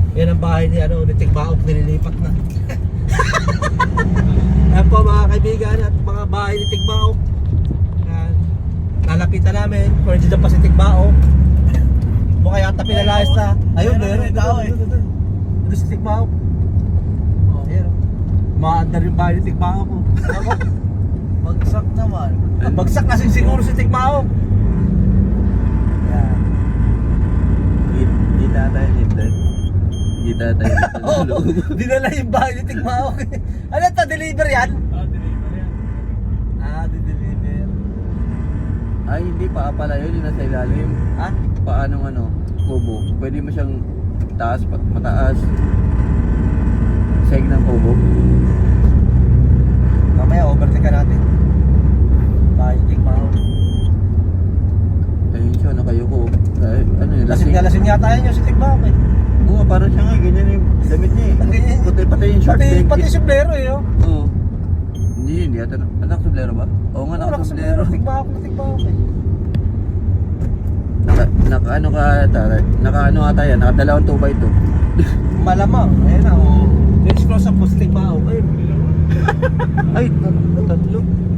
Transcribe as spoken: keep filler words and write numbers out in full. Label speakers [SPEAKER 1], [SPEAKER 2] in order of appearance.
[SPEAKER 1] Yan ang bahay ni ano, ni Tigbaok, nililipat na. Yan po mga kaibigan at mga bahay ni Tigbaok. Yan. Nalapitan namin, kung nandiyan pa si Tigbaok. Mukha yata pinalayas na. Ayun, meron tao eh. Ito si Tigbaok. Ayun. Maandar yung bahay ni Tigbaok. Ako.
[SPEAKER 2] Bagsak naman.
[SPEAKER 1] Bagsak kasi siguro si Tigbaok. Yan.
[SPEAKER 3] Hindi tayo dito. Hindi tayo
[SPEAKER 1] Oo, dinala yung bahay ni Tigbaok. Ano ito, deliver yan?
[SPEAKER 2] Ah, deliver yan.
[SPEAKER 1] Ah, di-deliver.
[SPEAKER 3] Ay, hindi pa pala yun. Yung nasa ilalim.
[SPEAKER 1] Ha?
[SPEAKER 3] Paanong ano, kubo. Pwede mo siyang taas, pat- mataas. Seg ng kubo.
[SPEAKER 1] Mamaya, overtake ka natin. Bahay ni Tigbaok.
[SPEAKER 3] Ayun siya, nakayuko. Ay, ano yun,
[SPEAKER 1] Lasing na lasing yata yan yung si Tigbaok eh.
[SPEAKER 3] Oo, parang siya nga, ganyan yung damit niya
[SPEAKER 1] Ang ganyan.
[SPEAKER 3] eh. Puti pati yung short.
[SPEAKER 1] Pati,
[SPEAKER 3] eh.
[SPEAKER 1] pati sombrero eh, oh.
[SPEAKER 3] Oo. Hindi, hindi ata. Anak, sombrero ba? Oo nga,
[SPEAKER 1] Wala ka
[SPEAKER 3] naka-sombrero.
[SPEAKER 1] sombrero, Tigbaok na Tigbaok eh.
[SPEAKER 3] Naka, naka ano ka ata, naka ano ata yan, naka dalawang two by two.
[SPEAKER 1] Malamang, ayun na, oh. Let's close up po si Tigbaok. Ayun. Ay, tatlo.